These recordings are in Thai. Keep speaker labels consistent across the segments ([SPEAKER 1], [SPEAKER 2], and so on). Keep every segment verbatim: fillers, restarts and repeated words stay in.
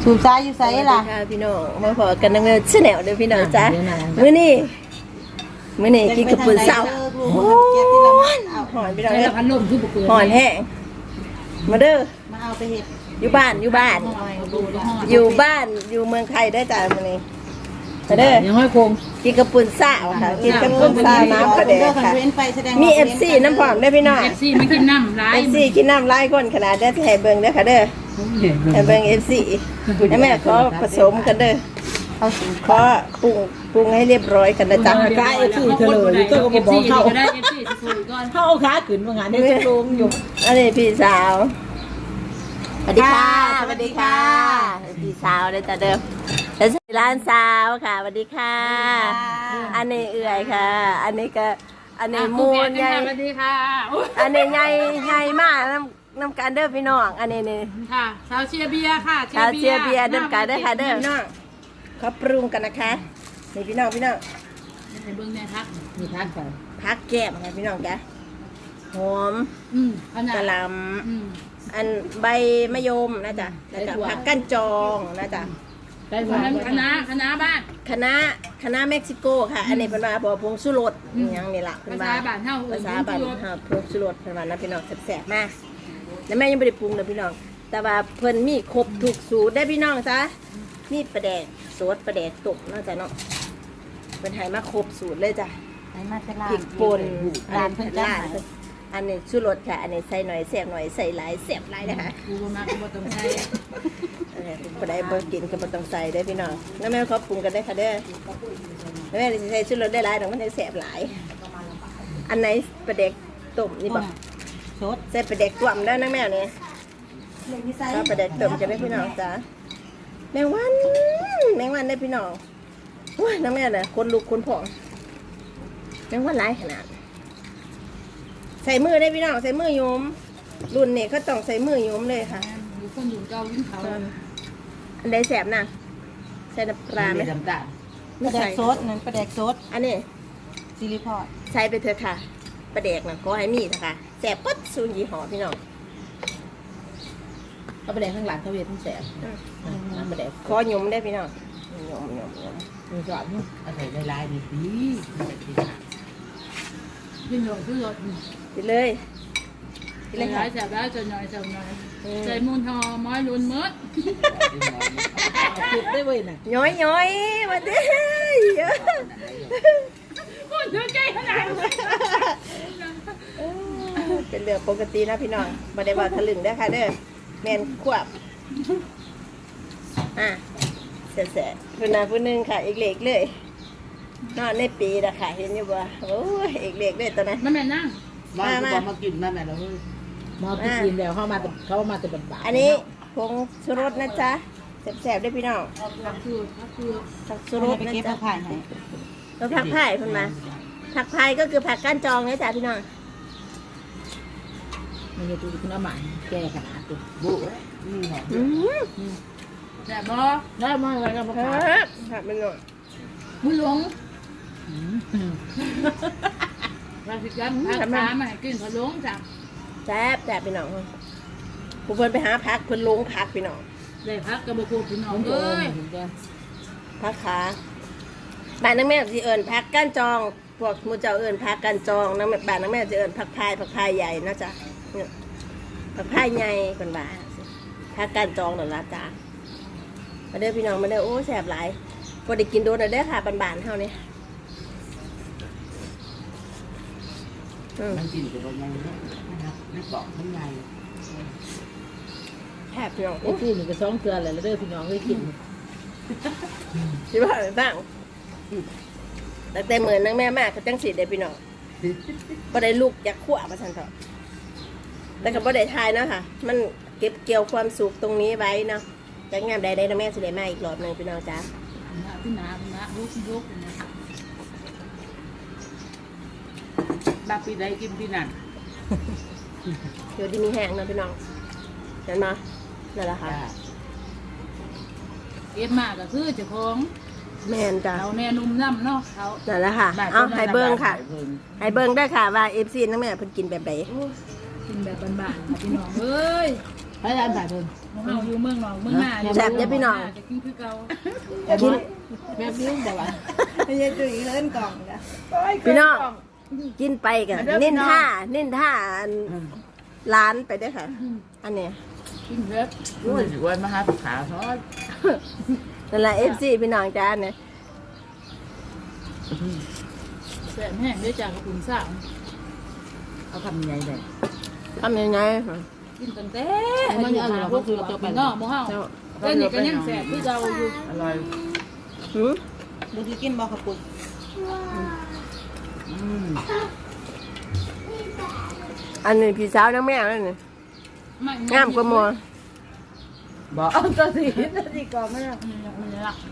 [SPEAKER 1] สูบซ้ายอยู่ไสล่ะ
[SPEAKER 2] พี่น้องมาพอกันนั่งชแนลเด้อพี่น้องจ้ามื้อนี้มื้อนี้กินกับปุ่นเสาโอ้ยหอนพี่น้องเอ้ยพันลมคือบ่เกินหอนแห้งมาเด้อ
[SPEAKER 1] มาเอาไปเฮ็ด
[SPEAKER 2] อยู่บ้านอยู่บ้านอยู่บ้านอยู่เมืองไทยได้จ้ามื้อนี้มาเด้อยังห้อยคงกินกับปุ่นเสาค่ะกินกับปุ่นเสาน้ำกระเดกค่ะมี เอฟ ซี น้ำพร้อมได้พี่น้อง
[SPEAKER 3] เอฟ ซี ไม่กินน้ำร้าย
[SPEAKER 2] เอฟ ซี กินน้ำหลายคนขนาดได้ให้เบิ่งเด้อค่ะเด้อให้เบิ่ง เอฟ ซี แล้วแม่ขอผสมกันเด้อเขาขอปรุงปรุงให้เรียบร้อยกันนะจ๊ะกายเอฟซีเฉลยตัวก็บอกเขา
[SPEAKER 3] ก็ได้ เอฟ ซี สวยก่อน
[SPEAKER 1] เขาเอาขาขึ้นว่างานนี้จะลงอยู่
[SPEAKER 2] อันนี้พี่สาวสวัสดีค่ะสวัสดีค่ะพี่สาวเลยจ้ะเด้อแล้วร้านสาวค่ะสวัสดีค่ะอันนี้เอื่อยค่ะอันนี้ก็อันนี้มูนใหญ่
[SPEAKER 3] สวัสดีค่ะ
[SPEAKER 2] อันนี้ใหญ่ใหญ่มากน้ำน้ำกันเด้อพี่น้องอันนี้นี่
[SPEAKER 3] ค่ะชาวเชียร์เบียร์ค่ะ
[SPEAKER 2] ชาวเชียร์เบียร์เด้อกันเด้อค่ะเด้อพี่น้องเขาปรุงกันนะคะนี่พี่น้องพี่น้อง
[SPEAKER 3] ในเบื้องในพักมีพักก่อน
[SPEAKER 2] พักแก้มค่ะพี่น้องจ้ะหอมกะหล่ำอันใบมะยมนะจ๊ะแล้วก็ผักกั้นจองนะจ๊ะ
[SPEAKER 3] ได้หวานคณะคณะบ้าน
[SPEAKER 2] คณะคณะเม็กซิโกค่ะอันนี้เป็นว่าพงสุรสอย่างนี้ล่ะเป็นว่าภาษาบ้านเฮาภาษาบ้านเฮาพงสุรสเป็นว่านะพี่น้องแซ่บๆมากแล้วแม่ยังไม่ได้ปรุงเลยพี่น้องแต่ว่าเพิ่นมีครบทุกสูตรได้พี่น้องจ้ะมีปลาแดกซดปลาแดกตุกน่าจะเนาะเป็นไทยมาครบสูตรเลยจ้ะพริกป่นร้านเพิ่นร้านอันนี้ชูรสค่ะอันนี้ใส่หน่อยแซ่บหน่อยใส่หลายแซ่บหลายนะคะ
[SPEAKER 3] กูมาก็บ่ต้องใส่
[SPEAKER 2] บ่ได้บ่กินก็บ่ต้องใส่ได้พี่น้องแล้วแม่เขาปรุงกันได้ค่ะเด้อแม่สิใส่ชูรสได้หลายดอกมันได้แซ่บหลายอันไหนปลาแดกต้มนี่บ่ซดใส่ปลาแดกต้มแล้วนะแม่นี่ถ้าปลาแดกต้มจะได้พี่น้องจ้ะแมงวันแมงวันได้พี่น้องว้าน้ำแม่น่ะคนลุกคนผอมแมงวันหลายขนาดใส่มือได้พี่น้องใส่มือโยมรุ่นนี้เขาต้องใส่มือโยมเลยค่ะ
[SPEAKER 3] อยู่คนอยู่เก่ายิ่งเขา
[SPEAKER 2] อันใดแสบน่ะใส่น้ำปลาไหม
[SPEAKER 1] ปลาแดกซดนั่นปลาแดกซด
[SPEAKER 2] อันนี้
[SPEAKER 1] ซิลิพอร์ต
[SPEAKER 2] ใส่ไปเถอะค่ะปลาแดกน่ะขอให้มีค่ะแสบปั๊ดซูนยี่ห้อพี่น้อง
[SPEAKER 1] เอาปลาแดกข้างหลังเขาเวียนทั้งแสบ
[SPEAKER 2] ปลาแดกขอโยมได้พี่น้องโยมโยมโยม
[SPEAKER 1] มีสอนอะไรลายๆดีดี
[SPEAKER 3] ยิ่งหน่อยขึ้นรถ
[SPEAKER 2] ไปเลย
[SPEAKER 3] ไปเลยค่ะจับได้จะหน่อยจับหน่อยใจมูลทอม้อยลุนมืด
[SPEAKER 1] จุดได้เว้ยน่ะ
[SPEAKER 2] ย้อยย้อยมาเด้อ
[SPEAKER 3] พูดถึงใจขนาด
[SPEAKER 2] เป็นเรื่องปกตินะพี่น้องมาได้ว่าทะลึ่งได้ค่ะเด้อแมนควบอ่ะเสร็จเสร็จพูน่ะพูนึงค่ะอีกเล็กเลยนอนในปีนะค่ะเห็นอยู่บ่โอ้ยอีกเล็กเลยตอนนั้น
[SPEAKER 3] มาแม่นั่ง
[SPEAKER 1] มามามากินมาแม่เราเฮ้ยมากินแล้วเข้ามาเขามาแต่บันๆ
[SPEAKER 2] อันนี้ผงชูรสนะจ๊ะแซ่บๆได้พี่น้อง
[SPEAKER 3] ผักคือผักคือ
[SPEAKER 2] ผักชูรสนะจ๊ะแล้วผักไผ่เพิ่นมาผักไผ่ก็คือผักก้านจองนะจ๊ะพี่น้อง
[SPEAKER 1] มันจะดูคุณอาหมาแก่ขนาดตัวบุ
[SPEAKER 2] อืม
[SPEAKER 3] แต่บ่
[SPEAKER 1] ได้มาอะไรกันบ้าง
[SPEAKER 2] ผักมันหน่อย
[SPEAKER 3] บุญหลงราชิกันผักขามาให้กินขนมจ้ะ
[SPEAKER 2] แซ่บแซ่บพี่น้องผู้เพิ่นไปหาผักเพิ่นลงผักพี่น้อง
[SPEAKER 3] ได้ผักกระบอกพี่น้องเอ้ย
[SPEAKER 2] ผักขาบ้านนักแม่สิเอิญผักก้านจองพวกมูเจ้าเอิญผักก้านจองนักบ้านนักแม่จะเอิญผักพายผักพายใหญ่นะจ๊ะผักพายใหญ่คนบ้าผักก้านจองหน่อยละจ้ะมาเด้อพี่น้องมาเด้อโอ้แซ่บหลายพอได้กินโดนเด้อค่ะบ้านๆเท่านี้
[SPEAKER 1] มันกินแต่ว่ายังนะครับไม่เกาะทั้งไง
[SPEAKER 2] แซ่บพี่น้อง
[SPEAKER 1] ไอ้ที่นี่ก็ซ้อมเกลืออะไรแล้วเด้อพี่น้องเคยกิน
[SPEAKER 2] คิดว่าอะไรบ้างแต่แต่เหมือนนังแม่มากเขาจังสีได้พี่น้องบ่ได้ลูกอยากขั้วมาทันเถอะแต่ก็บ่ได้ทายเนาะค่ะมันเก็บเกี่ยวความสุขตรงนี้ไว้เนาะแต่งานใดได้นะแม่สิได้มาอีกรอบหนึ่งพี่น้องจ้า
[SPEAKER 3] พี่นาพี่นาลุกลุกบาปีใดกินพี่นั่น
[SPEAKER 2] เดี๋ยวที่มีแห้งเนาะพี่น้องเห็นมานั่นแหละค่ะ
[SPEAKER 3] เก็บมากก็คือเจ้าของ
[SPEAKER 2] แม่นจ้า
[SPEAKER 3] เอาแน่นุ่มน้ำเนาะเขา
[SPEAKER 2] นั่นแหละค่ะเอาให้เบิ้งค่ะให้เบิ้งได้ค่ะว่าเอฟซีนั่นแม่เพิ่นกินแบบไหน
[SPEAKER 3] กินแบบบ้านๆพี่น้องเอ้ย
[SPEAKER 1] พระอาจารย์ถ่ายเพิ่น
[SPEAKER 3] เฮาอยู่เมืองนอกเมืองหน้าจะกินคือเก่า
[SPEAKER 2] กิน
[SPEAKER 1] แม่บิ้วแต่ว่า
[SPEAKER 4] ไม่ใช่ตัวอีกเล่นกล่องนะ
[SPEAKER 2] พี่น้องกินไปกันเน้นท่าเน้นท่าอันร้านไปด้วยค่ะ อันเนี้ย
[SPEAKER 3] กินเผ็ด
[SPEAKER 1] รู้สึกว่ามาหาผักขาวทอด
[SPEAKER 2] นั่นแหละเอฟซีพี่น้องจ้าเนี่ย
[SPEAKER 3] แซ่บแห้งด้วยจากกระปุนสาว
[SPEAKER 1] เอาทำยังไงเลย
[SPEAKER 2] ทำยังไง
[SPEAKER 3] กินตั้งแต่พวกเราเป็นนอกบ่เฮาแต่นี่ก็ยังแซ่บคือเก่าอยู่
[SPEAKER 1] อร่อย
[SPEAKER 2] หืม
[SPEAKER 4] ดูที่กินบอกขับปุ่น
[SPEAKER 1] อืม
[SPEAKER 2] อันนี้พี่สาวน้องแม่นั่นนี่งามกว่าหมัว
[SPEAKER 1] บอกเอาตัวสีตัวสีก่อนไม่ได้
[SPEAKER 3] นี่ล่ะ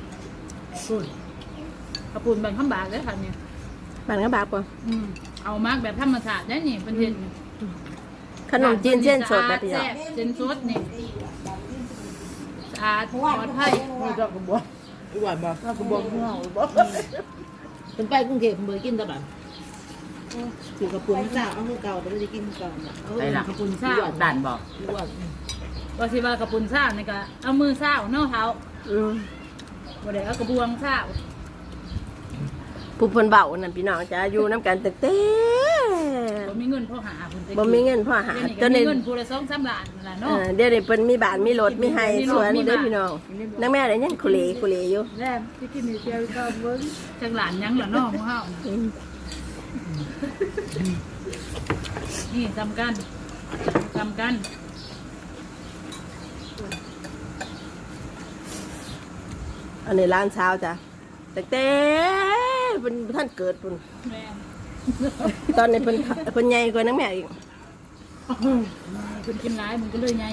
[SPEAKER 3] กระปุนแบ่งข้ามบาทเลยค่ะเนี่ย
[SPEAKER 2] บ้านก็บากกว่า
[SPEAKER 3] เอามากแบบธรรมชาติได้นี่เป็นเห็ด
[SPEAKER 2] ขนมจีนเส้นสดแบบพี่น้อง
[SPEAKER 3] เส้นสดนี่สะอาดปลอดภัย
[SPEAKER 1] ไม่ชอบกระบวอีหวานบอกชอบกระบวงเงาบอกเป็นไปกรุงเทพเบอร์กินตะบัน
[SPEAKER 4] ถือกับปุ่นเจ้าเอามือเก่าแต่ไม่ได้กินเก่า
[SPEAKER 1] ไปหลัก
[SPEAKER 3] กระปุนซ่า
[SPEAKER 1] ด่านบอก
[SPEAKER 3] หรือว่าว่าสิว่ากระปุนซ่านี่ก็เอามือซ่าเนาะเท้า
[SPEAKER 2] อืม
[SPEAKER 3] บ่ได้เอากระบวงซ่า
[SPEAKER 2] ผู้เพิ่นเบานั่นพี่น้องจ้าอยู่น้ำกันตึกเต้
[SPEAKER 3] บ่มีเงินพอหาเพิ่น
[SPEAKER 2] บ่มีเงินพ่อหา
[SPEAKER 3] เดี๋ยวนี้
[SPEAKER 2] จ
[SPEAKER 3] ก็
[SPEAKER 2] น
[SPEAKER 3] มี
[SPEAKER 2] ใน
[SPEAKER 3] เงินผู้ละสองสามล้านนั่นล่ะ
[SPEAKER 2] เอ
[SPEAKER 3] เนาะ
[SPEAKER 2] อเดี๋ยวนี้เพิ่นมีบ้านมีรถมีไห้สวนเด้อพี่น้องนักแม่ได้ยังคุเลคุเลอยู่
[SPEAKER 3] แล้ที่กินนี่เจียวก็เบิ่งจังหลานยังล่ะเนาะหมู่เฮา
[SPEAKER 2] อืม
[SPEAKER 3] นี่จำกันจำกัน
[SPEAKER 2] อันนี้ร้านเช้าจ้ะตึกเต้เพิ่นท่านเกิดพุ่น
[SPEAKER 3] แม่
[SPEAKER 2] ตอนนี้เพิ่นเพิ่นใหญ่กว่านักแม่อีก
[SPEAKER 3] คุณกินร้ายมันก็เลยไง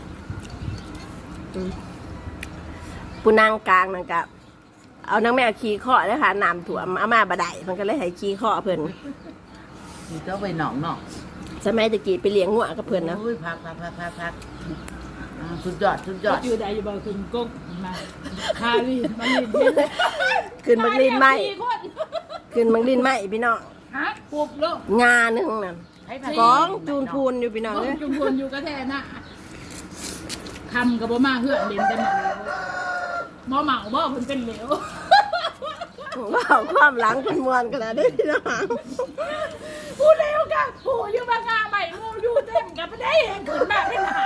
[SPEAKER 2] ปูนางกลางนั่นกะเอานักแม่ขี่ข้อแล้วค่ะน้ำถ่วมอามาบะไดมันก็เลยให้ขี่ข้อเพิ่น
[SPEAKER 1] มีเจ้าไปหนองหนอง
[SPEAKER 2] สมัยตะกี้ไปเลี้ยงงัวกับเพิ่นนะ
[SPEAKER 1] อุ้ยพักพักพักพักพักสุดยอดสุดยอด
[SPEAKER 3] อยู่ใดอยู่บ่คุณก๊กมาคาลีมาลีเฮ็ด
[SPEAKER 2] ขึ้นมักลินไหมขึ้นมักลินไหมพี่น้อง
[SPEAKER 3] ฮะปุบโลก
[SPEAKER 2] งาหนึงนั่นกองจูนพูนอยู่พี่น้องเอ้ย
[SPEAKER 3] จุ่มพลอยู่กระแทน่ะคำกับบ่มาเฮือนเด่นแต่หมาบ่เมาบ่เพิ่นเป็นเหลว
[SPEAKER 2] ว้าวความหลังเพิ่นม่วนขนาดนี้พี่น้อง
[SPEAKER 3] พูดเร็วกันโหอยู่มางาใหม่งูอยู่เต็มกับไม่ได้เองขึ้นมาเป็นหาง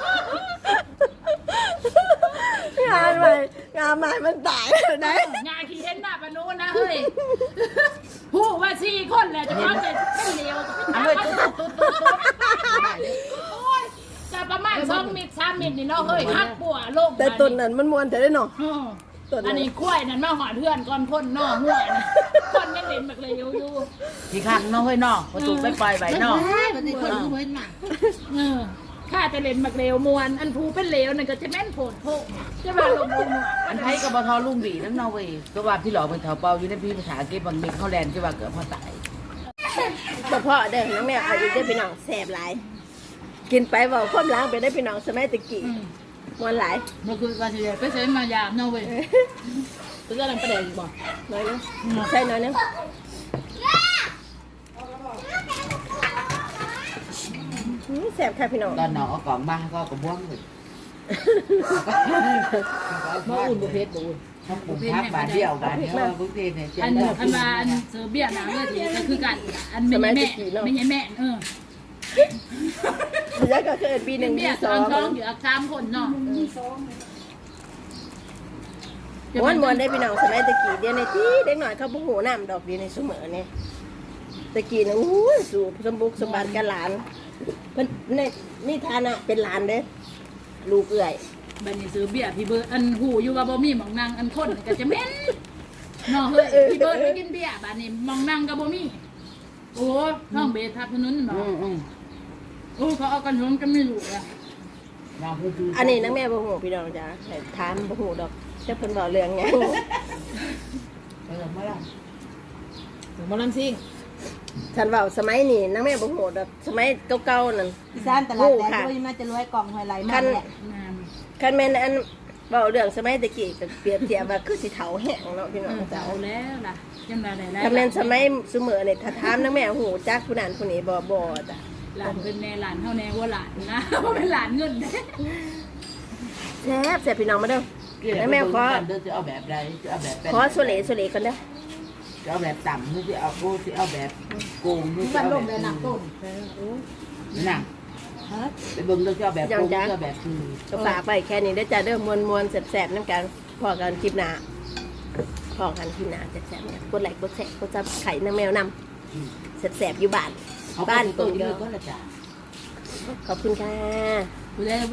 [SPEAKER 2] านใหม่งานใหม่มันตายแล้วได้
[SPEAKER 3] งาขี้เห็นหน้าปนูนะเฮ้ยผู้ว่าสี่คนแหละจะพร้อมจะเป็นเหลว
[SPEAKER 1] เอาเลยตุ๊ดตุ๊ดตุ๊ดตุ๊ด
[SPEAKER 3] โอ้ยจะประมาณสองมิตรสามมิตรนี่เนาะเฮ้ยหักปัวลง
[SPEAKER 2] แต่ต้นนั้นมันม่วนแต่ได้เนาะ
[SPEAKER 3] อืมอันนี้กล้วยนั่นมาหอดเพื่อนก่อนพ่นนอกหัวนะคนยังเล่นแบบเลยอยู่อยู่
[SPEAKER 1] กี่ครั้งน้องเฮ้ยน้องประตูไปปล่อยใบน้อง
[SPEAKER 4] มันเป็นคนที่เว้นหนัก
[SPEAKER 3] เออข้าจะเล่นมักเลวมวนอันภูเป็นเลวนั่นก็จะแม่นโผดโผจะมาลงลง
[SPEAKER 1] อันไทยกับบทอลุ่มบีน้ำนอเวยก็ว่าพี่หลอกเป็นแถวเปาอยู่ในพี่ภาษาเก็บบางเม็ดเขาแลนด์ที่ว่าเกิดพอตาย
[SPEAKER 2] เฉพาะเด้อน้องแม่เอาอีกได้อพี่น้องแซ่บหลายกินไปเว้าความหลังไปได้อพี่น้องสมัยตะกี้ม่วนหลาย
[SPEAKER 3] มันคือการเฉลี่ยไปใช้มายามเนาะเว้ยตัวอะไรประเดี๋ยวบอก
[SPEAKER 2] น้อยนึงใช่น้อยนึงอืมแซ่บค่ะพี่น้อง
[SPEAKER 1] ตอนน้องเอากล่องมาก็กระบ้วงเลย
[SPEAKER 3] มาอุ่นบุเพชรบุ่น
[SPEAKER 1] ถ้าปลูกพักบาทเดียวบาทเดียวบุฟเฟ่เนี่ย
[SPEAKER 3] อันอันมาอันเสือเบี้ยหนังเลยทีก็คือกันอันไม่ใช่แม่ไม่ใช่แม่เออ
[SPEAKER 2] แล้วก็เกิดปีหนึ่งปี
[SPEAKER 3] เบี้ย
[SPEAKER 2] ส
[SPEAKER 3] ต
[SPEAKER 2] อ
[SPEAKER 3] อง นท้องอยู่อักสามคนเนาะ
[SPEAKER 2] ม้วนม้วนได้พี่น้องสมัยตะกี้เดียวในที่เด็กหน่อยเขาบุกหูน้ำดอกเดียวในเสมอเนี่ยตะกี้นะอู้ยสู่สมบุกสมบัติกับหลานเพิ่นในนี่ฐานะเป็นหลานเด้อลูกเอื่อย
[SPEAKER 3] บันนี้ซื้อเบี้ยพี่เบิร์ดอันหูอยู่ว่าบ่มีหมองนางอันคนก็จะเม้นเนาะเฮ้ยพี่เบิร์ดไปกินเบี้ยบัดนี้หมองนางก็บ่มีโอ้ท้องเบทับถนนเนาะ
[SPEAKER 1] อืมอืม
[SPEAKER 3] โอ้เขาเอากันชนกันไม่รู้อะ
[SPEAKER 1] น้องคือคือ
[SPEAKER 2] อันนี้นักแม่บ่หูพี่น้องจ้าแต่ถามบ่หูดอกจะเพิ่นบอกเรื่องไง
[SPEAKER 1] เออไม่ได้
[SPEAKER 3] ถึงมาลังซิ่ง
[SPEAKER 2] ฉันเว้าสมัยนี้นักแม่บ่หูดอกสมัยเก่าๆนั่น
[SPEAKER 4] พี่ซ่านตลาดแต่ด้วยน่าจะรวยกล่องหอยไหลมากแหละ
[SPEAKER 3] งาม
[SPEAKER 2] คันแม่นอันเว้าเรื่องสมัยตะกี้ก็เปรียบเทียบว่าคือสิเฒ่าแห้งเนาะพี่น้อง
[SPEAKER 3] เออ
[SPEAKER 2] จ้า
[SPEAKER 3] เอาแล้วล่ะยังได้ได้
[SPEAKER 2] คันแม่นสมัยซุมื้อนี่ถ้าถามนักแม่หูจักผู้นั้นผู้นี้บ่บ่จ้ะ
[SPEAKER 3] หลานเป็นแน่หลานเท่าแน่ว่าหลานนะว่าเป็นหลานเงินเด้
[SPEAKER 2] แซ่บแซ่บพี่น้องมาเด้อ
[SPEAKER 1] แล้วแม่ขอเดินจะเอาแบบใดจะเอาแบบเป็น
[SPEAKER 2] ขอโซเลโซเลกันเด้อ
[SPEAKER 1] จะเอาแบบต่ำหรือจะเอาโก้จะเอาแบบโกงหรือจะ
[SPEAKER 4] วัน
[SPEAKER 1] เอา
[SPEAKER 4] ล
[SPEAKER 1] แบ
[SPEAKER 4] ง
[SPEAKER 1] บ
[SPEAKER 4] เลยหนักต้น
[SPEAKER 1] นั่ง
[SPEAKER 4] ฮะ
[SPEAKER 1] ไปเบิ่งเราจะเอาแบบโกงจะเอาแบบคือ
[SPEAKER 2] ก็ฝากไปแค่นี้ได้อจ้าเด้อมวนมวนๆแซ่บๆน้ำกันพอกันคลิปหน้าพอกันคลิปหน้าแซ่บๆเนี่ยกดไลค์กดแชร์กดซับไข่น้ำแมวนำแซ่บๆอยู่บ้าน
[SPEAKER 1] เอา
[SPEAKER 2] บ้าน
[SPEAKER 1] ตั
[SPEAKER 2] ตุ่
[SPEAKER 1] วน
[SPEAKER 2] เดี
[SPEAKER 1] เดี
[SPEAKER 2] ย
[SPEAKER 1] ยว วก็ละจ้ะ
[SPEAKER 2] ขอบคุณค่ะ
[SPEAKER 3] ผู้ใด